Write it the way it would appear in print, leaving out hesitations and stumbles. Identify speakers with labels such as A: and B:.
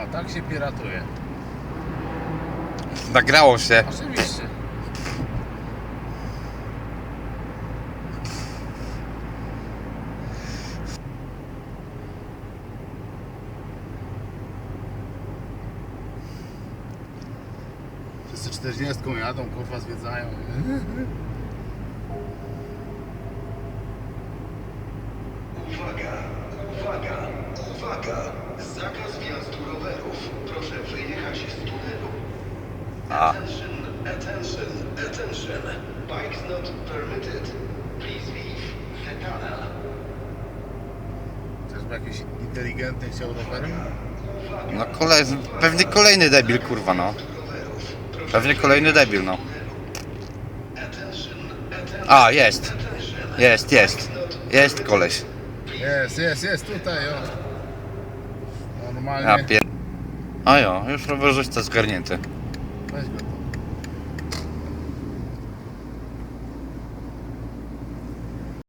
A: tak się piratuje.
B: Nagrało się.
A: Oczywiście. Wszyscy 40 jadą, kurwa zwiedzają.
C: Uwaga, uwaga, uwaga! Zakaz wjazdu rowerów. Proszę wyjechać z tunelu. Attention, attention, attention. Bikes not permitted. Please leave the tunnel.
A: Czyżby jakiś inteligentny chciał rowerem?
B: No pewnie kolejny debil, kurwa, no. Pewnie kolejny debil, no. A, jest. Jest koleś.
A: Jest tutaj, o. Normalnie.
B: Ja pier... A jo, już rowerzysta zgarnięty.
A: Weź go.